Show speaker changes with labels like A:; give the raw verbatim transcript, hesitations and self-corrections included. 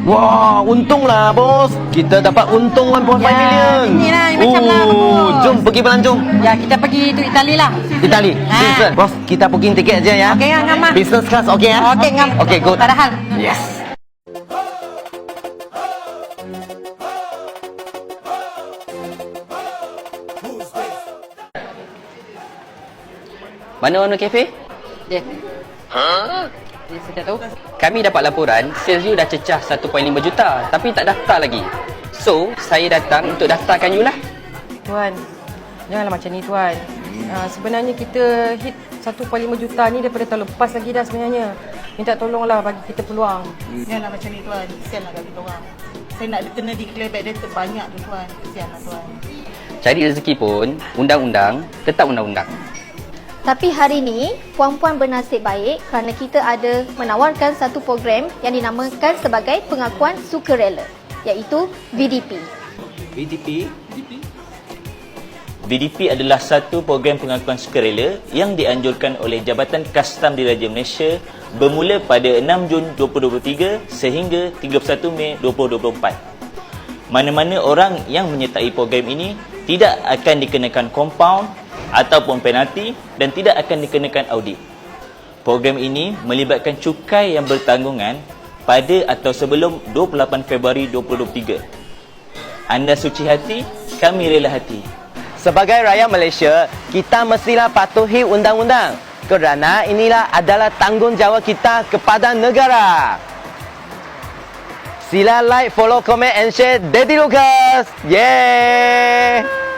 A: Wah, untunglah bos. Kita dapat untung satu perpuluhan lima
B: Ya,
A: million.
B: inilah yang macam lah, bos.
A: Jom pergi berlanjung.
B: Ya, kita pergi tu Itali lah.
A: Itali.
B: Ha.
A: Business. Bos, kita booking tiket aja ya.
B: Okey, ngam ah.
A: Business class okey ya?
B: Okey, ngam.
A: Okey, good.
B: Padahal.
A: Yes.
C: Mana owner kafe?
B: Dia. Ha? Dia sudah tahu.
C: Kami dapat laporan sales you dah cecah satu perpuluhan lima juta tapi tak daftar lagi. So, saya datang untuk daftarkan you lah.
B: Tuan, janganlah macam ni tuan. Uh, sebenarnya kita hit satu perpuluhan lima juta ni daripada tahun lepas lagi dah sebenarnya. Minta tolonglah bagi kita peluang.
D: Janganlah macam ni tuan. Kesianlah kat kita orang. Saya nak kena declare back data banyak tu tuan. Kesianlah tuan.
C: Cari rezeki pun, undang-undang tetap undang-undang.
E: Tapi hari ini, puan-puan bernasib baik kerana kita ada menawarkan satu program yang dinamakan sebagai pengakuan sukarela, iaitu V D P.
F: V D P? V D P adalah satu program pengakuan sukarela yang dianjurkan oleh Jabatan Kastam Diraja Malaysia bermula pada enam Jun dua ribu dua puluh tiga sehingga tiga puluh satu Mei dua ribu dua puluh empat. Mana-mana orang yang menyertai program ini tidak akan dikenakan kompaun ataupun penalti dan tidak akan dikenakan audit. Program ini melibatkan cukai yang bertanggungan pada atau sebelum dua puluh lapan Februari dua ribu dua puluh tiga. Anda suci hati, kami rela hati.
A: Sebagai rakyat Malaysia, kita mestilah patuhi undang-undang kerana inilah adalah tanggungjawab kita kepada negara. Sila like, follow, comment and share Daddy Lucas. Yeah.